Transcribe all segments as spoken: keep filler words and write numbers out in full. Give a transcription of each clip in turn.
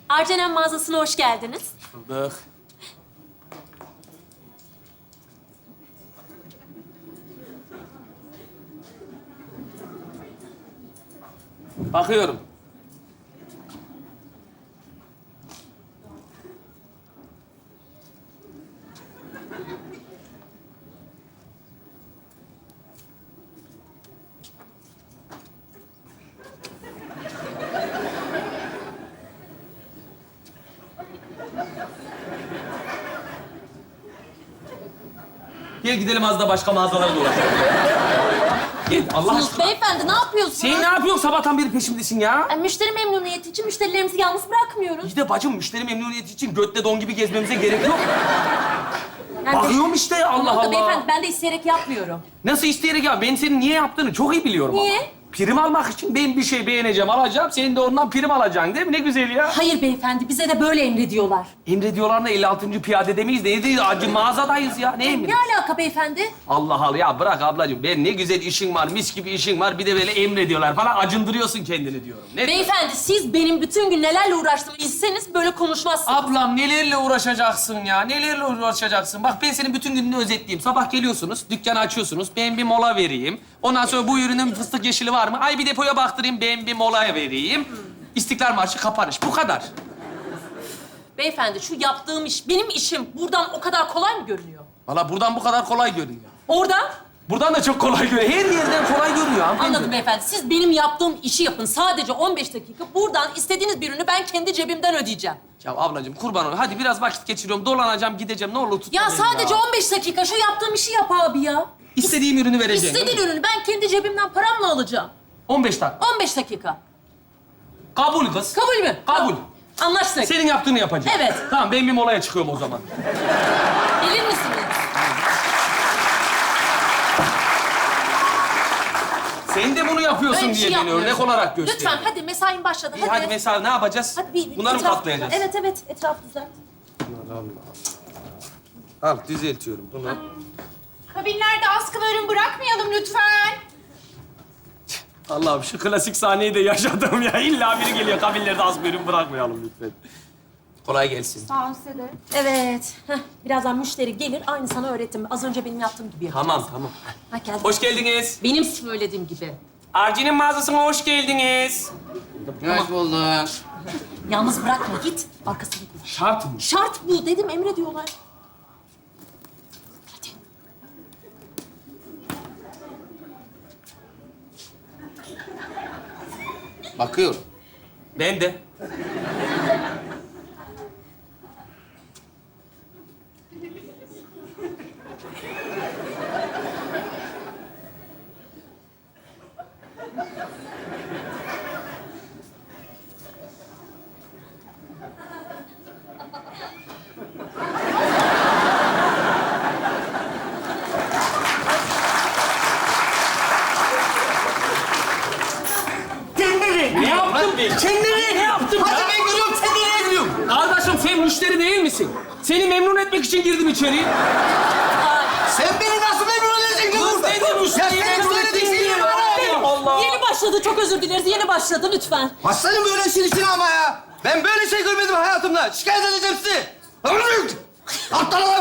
Arcenem mağazasına hoş geldiniz. Bulduk. Bakıyorum. Gel gidelim az da başka mağazalara dolaşalım. Gel Allah Sus aşkına. beyefendi, ne yapıyorsunuz? Sen ne yapıyorsun? Sabahtan beri peşimdesin ya. Yani müşteri memnuniyeti için müşterilerimizi yalnız bırakmıyoruz. İyi de bacım müşteri memnuniyeti için götle don gibi gezmemize gerek yok. Yani Bakıyorum işte Allah Tamam da Allah. beyefendi, ben de isteyerek yapmıyorum. Nasıl isteyerek ya? Ben senin niye yaptığını çok iyi biliyorum Niye? ama. Prim almak için ben bir şey beğeneceğim, alacağım. Senin de ondan prim alacaksın değil mi? Ne güzel ya. Hayır beyefendi, bize de böyle emrediyorlar. Emrediyorlar da elli altıncı piyade demeyiz. Ne değil? Acı mağazadayız ya. Ne emri? Ne alaka beyefendi? Allah Allah ya bırak ablacığım. Ben ne güzel işin var, mis gibi işin var. Bir de böyle emrediyorlar falan. Acındırıyorsun kendini diyorum. Ne? Beyefendi, siz benim bütün gün nelerle uğraştığımı bilseniz böyle konuşmazsınız. Ablam nelerle uğraşacaksın ya? Nelerle uğraşacaksın? Bak ben senin bütün gününü özetleyeyim. Sabah geliyorsunuz, dükkanı açıyorsunuz. Ben bir mola vereyim. Ondan sonra bu ürünün fıstık yeşili var mı? Ay bir depoya baktırayım, ben bir mola vereyim. İstiklal Marşı kapanış. Bu kadar. Beyefendi, şu yaptığım iş, benim işim buradan o kadar kolay mı görünüyor? Valla buradan bu kadar kolay görünüyor. Oradan? Buradan da çok kolay görünüyor. Her yerden kolay görünüyor hanımefendi. Anladım beyefendi. Siz benim yaptığım işi yapın. Sadece on beş dakika. Buradan istediğiniz bir ürünü ben kendi cebimden ödeyeceğim. Ya ablacığım kurban olayım. Hadi biraz vakit geçiriyorum. Dolanacağım, gideceğim. Ne olur tutma Ya beni sadece ya. on beş dakika şu yaptığım işi yap abi ya. İstediğim ürünü vereceğim. İstediğin ürünü ben kendi cebimden paramla alacağım. on beş dakika. on beş dakika. Kabul kız. Kabul mü? Kabul. Anlaştık. Senin yaptığını yapacağım. Evet. Tamam ben bir molaya çıkıyorum o zaman. Gelir misiniz? Sen de bunu yapıyorsun Öyle bir diye şey beni örnek yapmıyorum. olarak göster. Lütfen hadi mesain başladı. İyi hadi mesela ne yapacağız? Hadi bir, Bunları mı etraf- katlayacağız? Evet evet etraf düzelt. Al düzeltiyorum bunu. Kabinlerde askılı ürün bırakmayalım lütfen. Allah'ım şu klasik sahneyi de yaşadım ya. İlla biri geliyor kabinlerde az bir ürün bırakmayalım lütfen. Kolay gelsin. Sağ ol size de. Evet. Heh, birazdan müşteri gelir. Aynı sana öğrettim. Az önce benim yaptığım gibi yapacağız. Tamam tamam. Ha, geldi. Hoş geldiniz. Benim söylediğim gibi. Arci'nin mağazasına hoş geldiniz. Hoş bulduk. Yalnız bırakma git. Arkasını koy. Şart mı? Şart bu dedim emrediyorlar. Hadi. Bakıyorum. Ben de. Ne yaptım ben? Kendine ne yaptım Hadi ya? ben gülüyorum, sen nereye gülüyorsun? Kardeşim sen müşteri değil misin? Seni memnun etmek için girdim içeriye. Sen beni nasıl memnun edeceksin Kız burada? dedi Ya müşteriyi seni memnun memnun ettin edeceksin diye. ya bana. Allah Allah. Yeni başladı. Çok özür dileriz. Yeni başladı lütfen. Başlarım böyle işin içine ama ya. Ben böyle şey görmedim hayatımda. Şikayet edeceğim sizi. Aptalalım.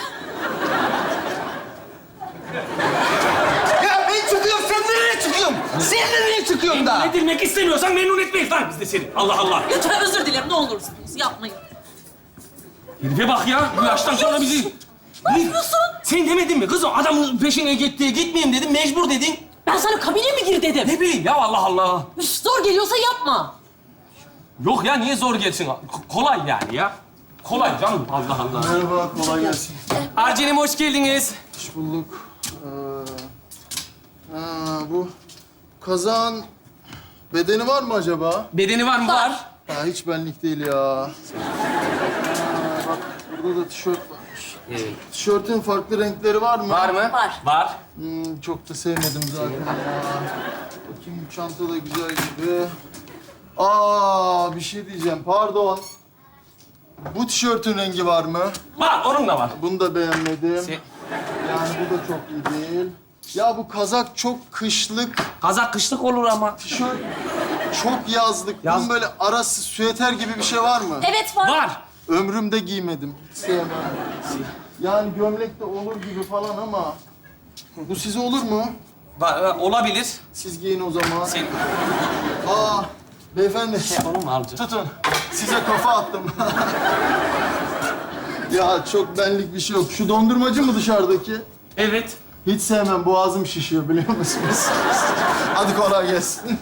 Ya ben çıkıyorum, sen nereye çıkıyorsun? Sen nereye çıkıyorsun da? Ne bilmek istemiyorsan memnun etmeyiz lan biz de seni. Allah Allah. Lütfen özür dilerim. Ne olursunuz yapmayın. Herife bak ya. Bu yaştan sonra bizi... Ne yapıyorsun? Sen demedin mi kızım? Adamın peşine gitti. Gitmeyeyim dedim. Mecbur dedin. Ben sana kabine mi gir dedim. Ne bileyim ya Allah Allah. Üf, zor geliyorsa yapma. Yok ya niye zor gelsin? Ko- kolay yani ya. Kolay canım. Allah Allah. Merhaba, kolay gelsin. Arcenim hoş geldiniz. Hoş bulduk. Ee, ha, bu kazağın bedeni var mı acaba? Bedeni var mı? Var. Ha, hiç benlik değil ya. Ha, bak, burada da tişört varmış. Evet. Tişörtün farklı renkleri var mı? Var mı? Var. Var. Hmm, çok da sevmedim zaten ya. Bakayım çanta da güzel gibi. Aa, bir şey diyeceğim, pardon. Bu tişörtün rengi var mı? Var. Onun da var. Bunu da beğenmedim. Sen- Yani bu da çok iyi değil. Ya bu kazak çok kışlık. Kazak kışlık olur ama. Tişört Çok yazlık. Yaz- Bunun böyle arası süeter gibi bir şey var mı? Evet var. Var. Ömrümde giymedim. Sevmem. Yani gömlek de olur gibi falan ama... Bu size olur mu? Var, e, olabilir. Siz giyin o zaman. Sen... Aa, beyefendi. Onu mu alacaksın? Tutun. Size kafa attım. Ya çok benlik bir şey yok. Şu dondurmacı mı dışarıdaki? Evet. Hiç sevmem. Boğazım şişiyor biliyor musunuz? Hadi kolay gelsin.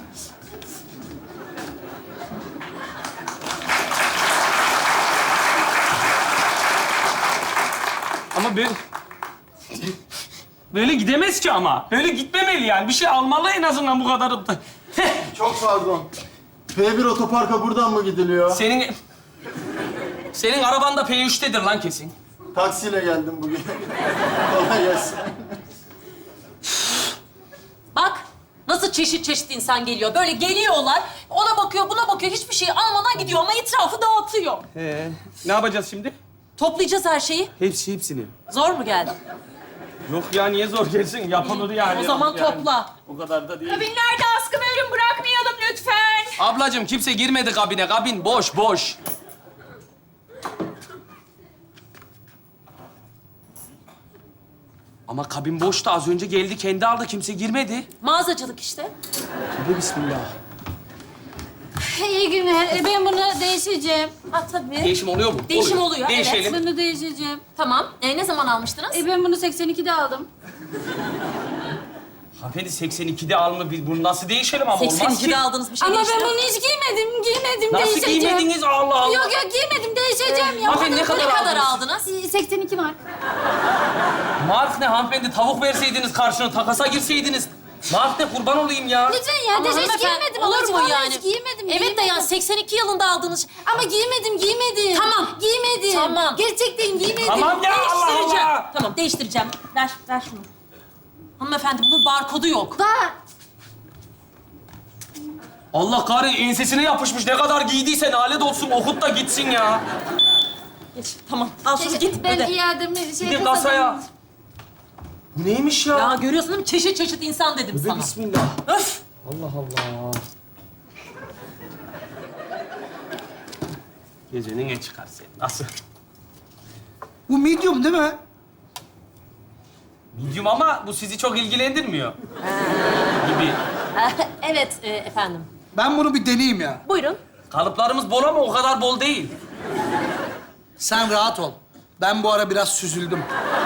Ama böyle... Böyle gidemez ki ama. Böyle gitmemeli yani. Bir şey almalı en azından bu kadar. Çok pardon. P bir otoparka buradan mı gidiliyor? Senin... Senin araban da P üç'tedir lan kesin. Taksiyle geldim bugün. Kolay gelsin. Bak nasıl çeşit çeşit insan geliyor. Böyle geliyorlar. Ona bakıyor, buna bakıyor. Hiçbir şey almadan gidiyor ama etrafı dağıtıyor. Ee, ne yapacağız şimdi? Toplayacağız her şeyi. Hepsi hepsini. Zor mu geldi? Yok ya niye zor gelsin? Yapılır yani. O zaman Yani. topla. O kadar da değil. Kabinlerde askı ve ürün bırakmayalım lütfen. Ablacığım kimse girmedi kabine. Kabin boş boş. Ama kabin boştu. Az önce geldi kendi aldı. Kimse girmedi. Mağazacılık işte. Hadi bismillah. İyi günler. E, Ben bunu değişeceğim. Ha tabii. Değişim oluyor mu? Değişim oluyor, evet. Değişelim. Bunu değişeceğim. Tamam. E, ne zaman almıştınız? E, ben bunu seksen ikide aldım. Hanımefendi seksen ikide alma. Biz bunu nasıl değişelim ama olmaz seksen ikide ki. aldığınız bir şey Ama ben değişti. bunu hiç giymedim. Giymedim, Nasıl değişeceğim. giymediniz? Allah Allah. Yok yok giymedim, değişeceğim ya. Hanımefendi ne Ne kadar, kadar aldınız? aldınız? E, seksen iki mark. Mark ne hanımefendi? Tavuk verseydiniz karşına, takasa girseydiniz. Mark ne? Kurban olayım ya. Lütfen ya, Ama hiç hanımefendi, giymedim. olur Olur mu mu yani? Hiç giymedim, Evet de giymedim. yani seksen iki yılında aldığınız... Ama giymedim, giymedim. Tamam. Giymedim. Tamam. Gerçekten giymedim. Tamam ya Allah Değiştireceğim. Allah. Tamam, değiştireceğim. Ver, ver şunu. Hanımefendi, bunun barkodu yok. Var. Allah kahretsin ensesine yapışmış. Ne kadar giydiyse lanet olsun. Okut da gitsin ya. Geç, tamam. Al şunu git, Ben öde. iademi şey Gidin kasaya. Bu neymiş ya? Ya görüyorsun değil mi? Çeşit çeşit insan dedim Be sana. bismillah. Öf! Allah Allah. Gecenin en çıkar sen. Nasıl? Bu medium değil mi? Medium ama bu sizi çok ilgilendirmiyor. Gibi. Evet e, efendim. Ben bunu bir deneyeyim ya. Buyurun. Kalıplarımız bol ama o kadar bol değil. Sen rahat ol. Ben bu ara biraz süzüldüm.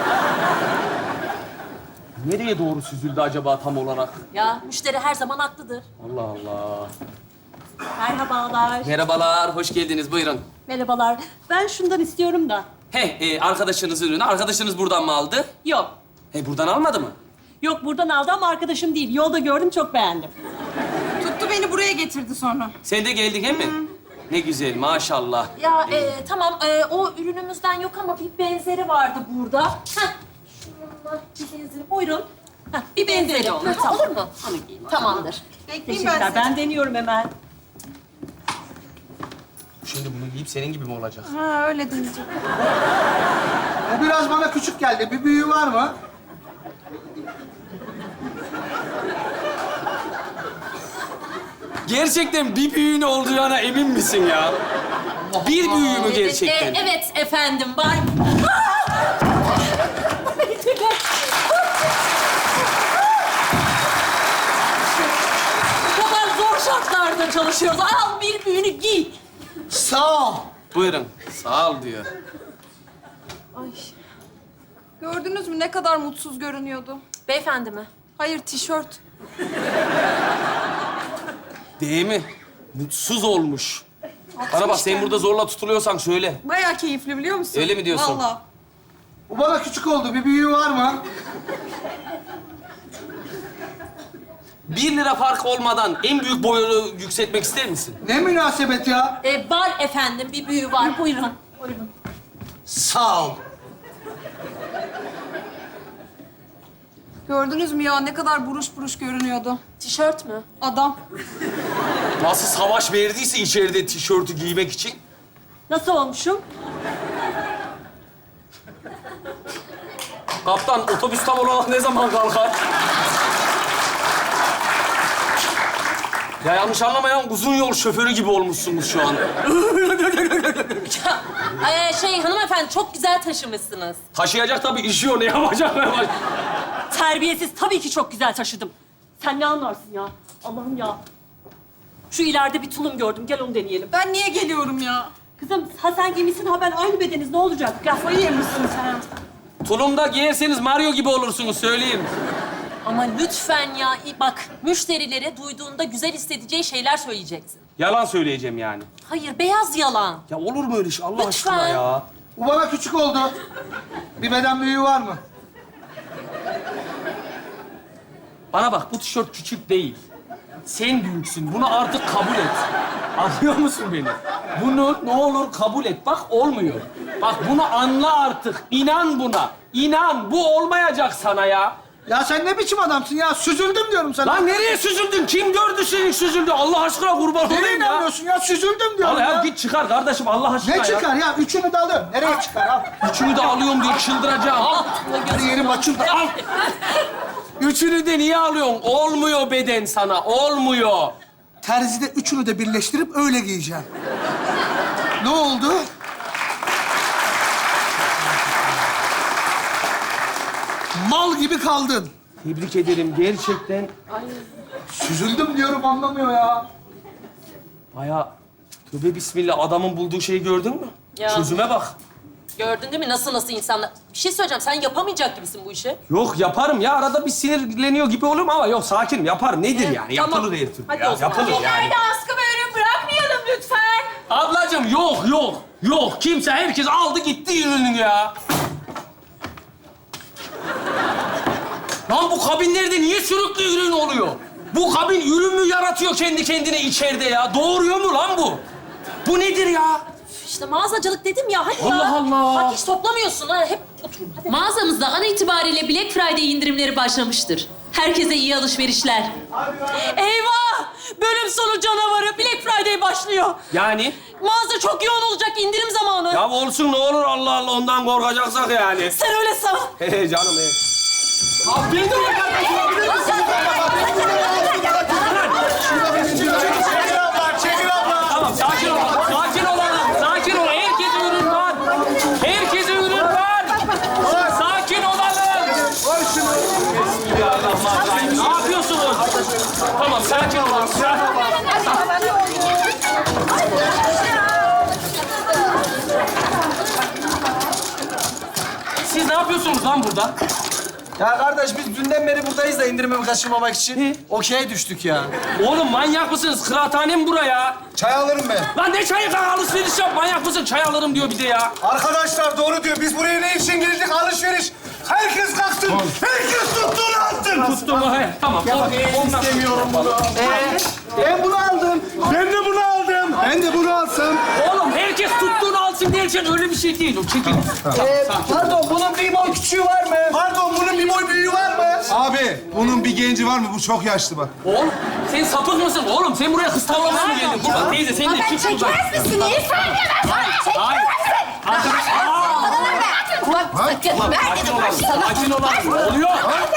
Nereye doğru süzüldü acaba tam olarak? Ya müşteri her zaman haklıdır. Allah Allah. Merhabalar. Merhabalar, hoş geldiniz. Buyurun. Merhabalar. Ben şundan istiyorum da. He, e, arkadaşınızın ürünü. Arkadaşınız buradan mı aldı? Yok. He, buradan almadı mı? Yok buradan aldı ama arkadaşım değil. Yolda gördüm çok beğendim. Tuttu beni buraya getirdi sonra. Sen de geldin he mi? Ne güzel, maşallah. Ya e, tamam e, o ürünümüzden yok ama bir benzeri vardı burada. Heh. Şununla bir benzeri. Buyurun. Heh, bir benzeri olur. Tamam. Olur mu? Tamamdır. Bekleyeyim ben Teşekkürler. sizi. Ben deniyorum hemen. Şimdi bunu giyip senin gibi mi olacak? Ha öyle diyeceğim. Bu biraz bana küçük geldi. Bir büyüğü var mı? Gerçekten bir büyüğün olacağına emin misin ya? Bir büyüğü mü gerçekten? E, evet efendim var. Bu kadar zor şartlarda çalışıyoruz. Al bir büyüğünü giy. Sağ ol. Buyurun. Sağ ol diyor. Gördünüz mü ne kadar mutsuz görünüyordu? Beyefendi mi? Hayır tişört. Değil mi? Mutsuz olmuş. Bana bak sen burada zorla tutuluyorsan söyle. Bayağı keyifli biliyor musun? Öyle mi diyorsun? Vallahi. Bu bana küçük oldu. Bir büyüğü var mı? Bir lira fark olmadan en büyük boyunu yükseltmek ister misin? Ne münasebet ya? E, var efendim bir büyüğü var. Buyurun. Buyurun. Sağ ol. Gördünüz mü ya ne kadar buruş buruş görünüyordu. Tişört mü? Adam. Nasıl savaş verdiyse içeride tişörtü giymek için. Nasıl olmuşum? Kaptan otobüs tam olarak ne zaman kalkar? Ya yanlış anlamayan uzun yol şoförü gibi olmuşsunuz şu an. Ee, şey hanımefendi çok güzel taşımışsınız. Taşıyacak tabii işi o. Ne yapacak? Ne yapacak? Terbiyesiz tabii ki çok güzel taşıdım. Sen ne anlarsın ya? Allah'ım ya. Şu ileride bir tulum gördüm. Gel onu deneyelim. Ben niye geliyorum ya? Kızım ha sen giymişsin ha ben aynı bedeniz. Ne olacak? Kafayı yemişsin sen. Tulumda giyerseniz Mario gibi olursunuz söyleyeyim. Ama lütfen ya bak müşterilere duyduğunda güzel hissedeceği şeyler söyleyeceksin. Yalan söyleyeceğim yani. Hayır beyaz yalan. Ya olur mu öyle şey Allah Lütfen. aşkına ya? Bu bana küçük oldu. Bir beden büyüğü var mı? Bana bak bu tişört küçük değil. Sen büyüksün. Bunu artık kabul et. Anlıyor musun beni? Bunu ne olur kabul et. Bak olmuyor. Bak bunu anla artık. İnan buna. İnan. Bu olmayacak sana ya. Ya sen ne biçim adamsın ya? Süzüldüm diyorum sana. Lan nereye süzüldün? Kim gördü seni süzüldü? Allah aşkına kurban Nereye olayım ya. inanmıyorsun ya? Süzüldüm diyorum Al ya. ya git çıkar kardeşim Allah aşkına Ne ya. çıkar ya? Üçünü de alıyorum. Nereye çıkar? Al. Üçünü de alıyorum diye çıldıracağım. Al. Hadi yerim açıldı. Al. Üçünü de niye alıyorsun? Olmuyor beden sana. Olmuyor. Terzide üçünü de birleştirip öyle giyeceğim. Ne oldu? Mal gibi kaldın. Tebrik ederim gerçekten. Süzüldüm diyorum anlamıyor ya. Baya tövbe bismillah adamın bulduğu şeyi gördün mü? Ya. Çözüme bak. Gördün değil mi nasıl nasıl insanlar... Bir şey söyleyeceğim sen yapamayacak gibisin bu işi. Yok yaparım ya arada bir sinirleniyor gibi olurum ama yok sakinim yaparım. Nedir yani? tamam. Yapılır her türlü Hadi ya. o zaman. Yapılır yani. askı ve ürün bırakmayalım lütfen. Ablacığım yok yok yok. Kimse herkes aldı gitti ürününü ya. Lan bu kabinlerde niye sürekli ürün oluyor? Bu kabin ürün mü yaratıyor kendi kendine içeride ya? Doğuruyor mu lan bu? Bu nedir ya? İşte mağazacılık dedim ya hadi ya. Allah Allah. Bak hiç toplamıyorsun ha hep otur. Hadi. Mağazamızda an itibariyle Black Friday indirimleri başlamıştır. Herkese iyi alışverişler. Eyvah! Bölüm sonu canavarı Black Friday başlıyor. Yani? Mağaza çok yoğun olacak indirim zamanı. Ya olsun ne olur Allah Allah ondan korkacaksak yani. Sen öyle san. He canım he. Abi ben de Tamam sakin ol. Sakin olalım. Sakin ol. Herkese ürün var. Herkese ürün var. Sakin olalım. Bismillahirrahmanirrahim. Ne yapıyorsunuz? Tamam sakin olun. Siz ne yapıyorsunuz lan burada? Ya kardeş biz dünden beri buradayız da indirimi kaçırmamak için. Okey'e düştük ya. Oğlum manyak mısınız? Kıraathane mi buraya? Çay alırım ben. Lan ne çayı kanka alışveriş yap. Manyak mısın? Çay alırım diyor bir de ya. Arkadaşlar doğru diyor. Biz buraya ne için girdik? Alışveriş. Herkes kalksın. Herkes tuttuğunu alsın. Tuttum mu? He, tamam. O- ondan- İstemiyorum bunu. Ee, ben bunu aldım. Ben de bunu aldım. Ben de bunu alsam. Oğlum herkes tuttuğunu alsın derken öyle bir şey değil. O çekil. Ee, pardon bunun bir boy küçüğü var mı? Pardon bunun bir boy büyüğü var mı? Abi bunun bir genci var mı? Bu çok yaşlı bak. Oğlum sen sapık mısın? Oğlum sen buraya kız tavlamaya mı geldin? Kurban teyze sen de çık buradan. misin? İyi saniye ben sana Hayır. Arkadaş. Aa! Bak sakın ver Sakin dedim olalım. sana. Sakin olalım. Ne oluyor?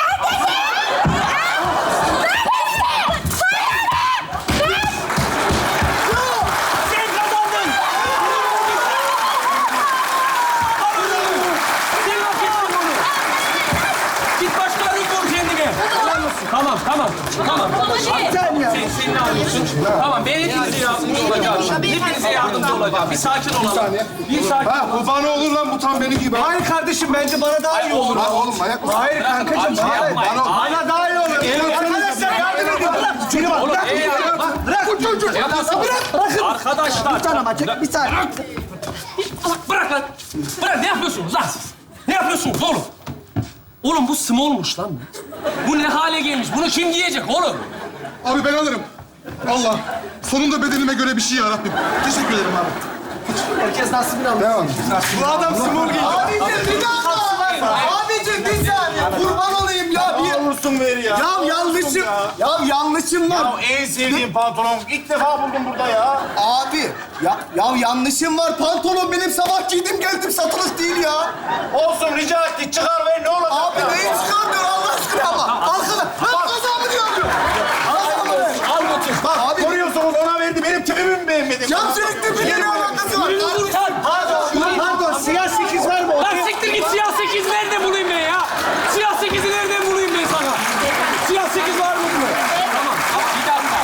Sen kazandın. Sen hak ettin onu. Git başka bir bul kendine. Tamam, tamam, tamam. Sen, sen ne alıyorsun? Tamam, ben hepinize yardımcı olacağım. Hepinize yardımcı olacağım. Bir sakin olalım. Bir sakin Ha bu bana olur lan bu tam benim gibi. Hayır kardeşim bence bana daha iyi olur. Lan oğlum manyak mısın? Hayır kankacığım. Abi, Hayır. yapmayın. Bana daha iyi olur. Arkadaşlar yardım edin. Şunu bak. Oğlum, Bırak. ey ya, bak. Bırak. Bu çocuğu. Ne yapıyorsun? Arkadaşlar. Bir tane ama çek. Bir saniye. Bırak lan. Bırak ne yapıyorsunuz lan siz? Ne yapıyorsunuz oğlum? Oğlum bu smallmuş lan bu. Bu ne hale gelmiş? Bunu kim giyecek oğlum? Abi ben alırım. Allah. Sonunda bedenime göre bir şey yarabbim. Teşekkür ederim abi. Herkes nasibini alır. Devam. Bu adam small giydi. Abicim bir dakika. Abicim bir saniye. Kurban olayım ya. Bir... olursun ver ya. Ya yanlışım. Ya yanlışım var. en sevdiğim pantolon. İlk defa buldum burada ya. Abi ya, ya yanlışım var. Pantolon benim sabah giydim geldim satılık değil ya. Olsun rica ettik. Çıkar ver ne olacak? Abi neyi çıkartıyor Allah aşkına ama. Arkada. Ben kazamı diyorum. Al götür. Bak abi Capsülük tüpüyle ne alakası var? Ürünü kurtar. Pardon, pardon. Siyah sekiz var mı? Lan siktir git, siyah sekiz nerede bulayım ben ya? Siyah sekizi nereden bulayım ben sana? Siyah sekiz var mı burada? Tamam, bir dakika.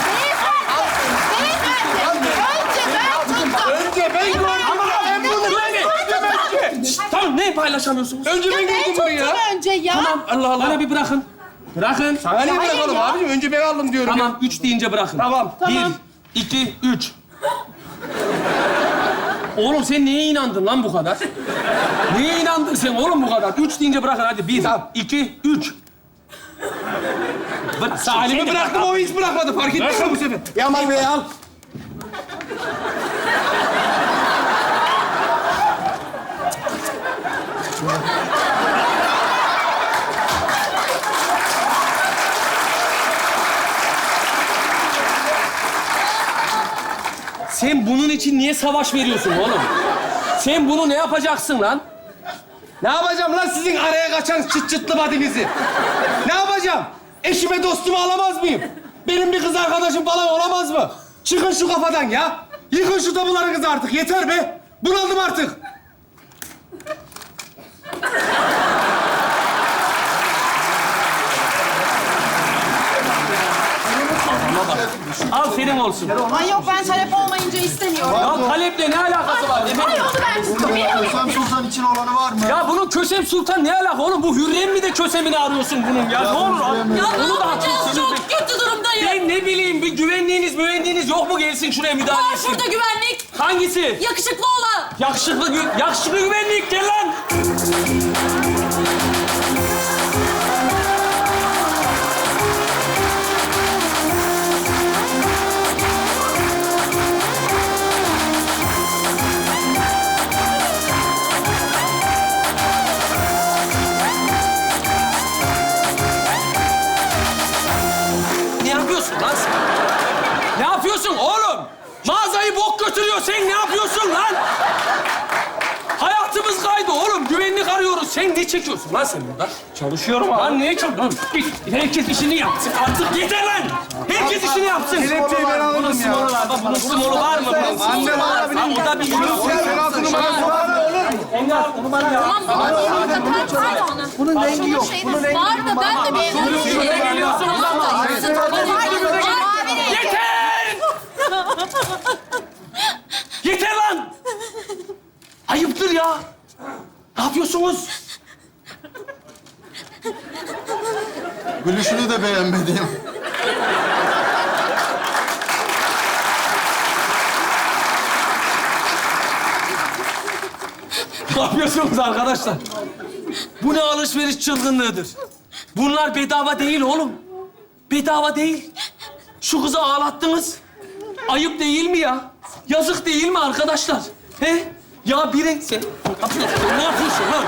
Önce ben gördüm. Ama ben bunu önce. Tamam, ne paylaşamıyorsunuz? Önce ben gördüm bunu ya. önce ya. Tamam, Allah Allah. Bana bir bırakın. Bırakın. Sana niye bırakalım abicim? Önce ben aldım diyorum. Tamam, üç deyince bırakın. Tamam. Bir, iki, üç. Oğlum sen neye inandın lan bu kadar? Neye inandın sen oğlum bu kadar? Üç deyince bırakın hadi. Bir, iki, üç. Bırak. Salim'i bıraktım, o hiç bırakmadı. Fark ettin mi bu sefer? Yaman Bey al. Sen bunun için niye savaş veriyorsun oğlum? Sen bunu ne yapacaksın lan? Ne yapacağım lan sizin araya kaçan çıt çıtlı badinizi? Ne yapacağım? Eşime dostumu alamaz mıyım? Benim bir kız arkadaşım falan olamaz mı? Çıkın şu kafadan ya. Yıkın şu tabularınızı artık. Yeter be. Bunaldım artık. Al senin olsun. Ay yok ben talep olmayınca istemiyorum. Ya taleple ne alakası var Ay efendim? onu ben istemiyorum. Kösem Sultan için olanı var mı? Ya bunun Kösem Sultan ne alaka oğlum? Bu Hürrem mi de Kösem'ini arıyorsun bunun ya? Ne olur abi? Hürrem Ya ne Onu da yapacağız? haklısınız. Çok kötü durumdayım. Ben ne bileyim, bir güvenliğiniz, müvenliğiniz yok mu gelsin şuraya müdahale Var etsin? şurada güvenlik. Hangisi? Yakışıklı olan. Yakışıklı, gü yakışıklı güvenlik, gel lan! Ne yapıyorsun lan sen? Ne yapıyorsun oğlum? Mağazayı bok götürüyor. Sen ne yapıyorsun lan? Hayatımız kaydı oğlum. Güvenlik arıyoruz. Sen ne çekiyorsun lan sen burada? Çalışıyorum abi. Lan niye çekiyorsun? Git. Herkes işini yapsın. Artık yeter lan. Herkes işini yapsın. Kelepçeyi ben alırım Bunun ya. smolu var. Bak bunun smolu var mı? Bunun smolu Anne var. alabilir Lan miyim? o da bir yok. Penaltı numarası var mı? Engel, onu bana ya. Tamam, onu takar mıydı ona? Bunun rengi yok. Bunun rengi Var da ben de beğeniyorum. Şuraya geliyorsunuz ama. Yeter! Yeter lan! Ayıptır ya. Ne yapıyorsunuz? Gülüşünü de beğenmedim. Ne yapıyorsunuz arkadaşlar? Bu ne alışveriş çılgınlığıdır? Bunlar bedava değil oğlum. Bedava değil. Şu kızı ağlattınız. Ayıp değil mi ya? Yazık değil mi arkadaşlar? He? Ya biri... Sen ne yapıyorsun? Ne yapıyorsun lan?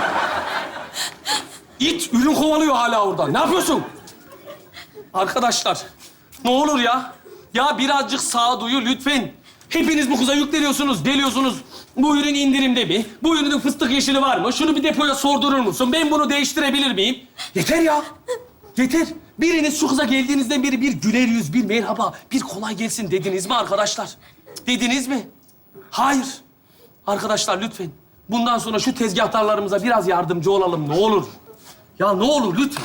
İt ürün kovalıyor hala orada. Ne yapıyorsun? Arkadaşlar, ne olur ya. Ya birazcık sağduyu lütfen. Hepiniz bu kıza yükleniyorsunuz, deliyorsunuz. Bu ürün indirimde mi? Bu ürünün fıstık yeşili var mı? Şunu bir depoya sordurur musun? Ben bunu değiştirebilir miyim? Yeter ya. Yeter. Biriniz şu kıza geldiğinizden beri bir güler yüz, bir merhaba, bir kolay gelsin dediniz mi arkadaşlar? Dediniz mi? Hayır. Arkadaşlar lütfen. Bundan sonra şu tezgahtarlarımıza biraz yardımcı olalım ne olur. Ya ne olur lütfen.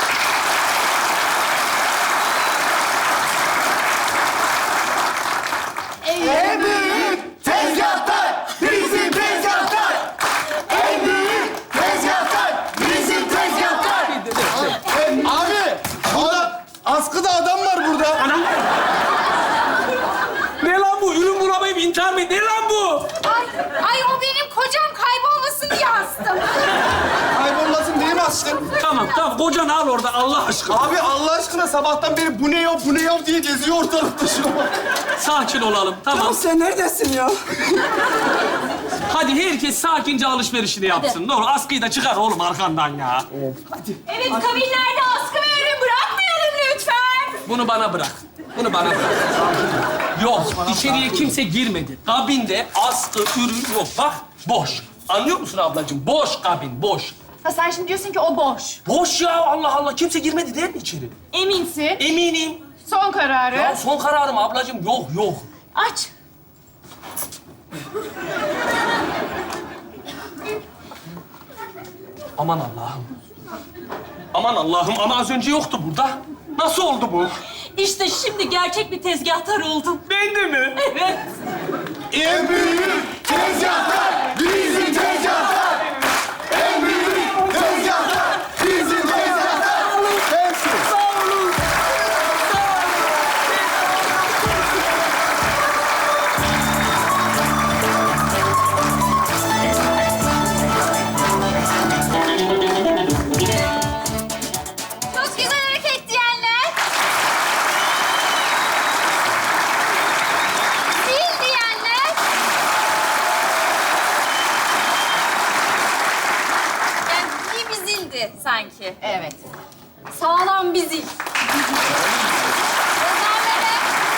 En büyük tezgahtar bizim tezgahtar. En büyük tezgahtar bizim tezgahtar. Abi! Burada askıda adam var burada. Anam. Ne lan bu? Ürün bulamayıp intihar mı? Ne lan bu? Ay, ay o benim kocam kaybolmasın diye astım. Kaybolmasın değil mi aşkım? Tamam tamam kocanı al orada Allah aşkına. Abi Allah aşkına sabahtan beri bu ne yok, bu ne yok diye geziyor ortalıkta şu an. Sakin olalım tamam. Sen neredesin ya? Hadi herkes sakince alışverişini yapsın. Ne olur askıyı da çıkar oğlum arkandan ya. Evet kabinlerde askı ve ürün bırakmayalım lütfen. Bunu bana bırak. Bunu bana bırak. Yok içeriye kimse girmedi. Kabinde askı ürün yok. Bak boş. Anlıyor musun ablacığım? Boş kabin boş. Ha sen şimdi diyorsun ki o boş. Boş ya Allah Allah. Kimse girmedi değil mi içeri? Eminsin. Eminim. Son kararı. Ya son kararım ablacığım. Yok yok. Aç. Aman Allah'ım. Aman Allah'ım ama az önce yoktu burada. Nasıl oldu bu? İşte şimdi gerçek bir tezgahtar oldum. Ben de mi? Evet. En büyük tezgahlar bizim tezgahlar. En büyük tezgahlar bizim tezgahlar. Hepsi. Sağ olun. Çok güzel hareket diyenler. Zil diyenler. Yani iyi bir zildi sanki. Evet. Sağlam bir zil. Ozanlara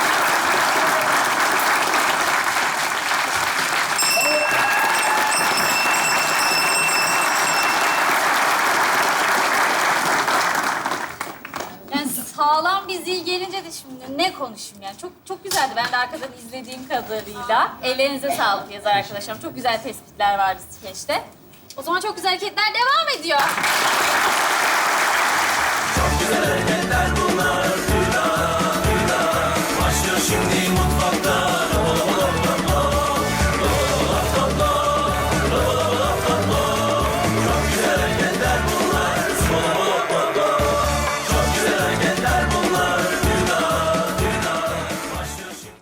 yani sağlam bir zil gelince de şimdi ne konuşayım yani. Çok çok güzeldi. Ben de arkadan izlediğim kadarıyla. Ellerinize sağlık yazar arkadaşlarım. Çok güzel tespitler vardı skeçte. O zaman çok güzel hareketler devam ediyor.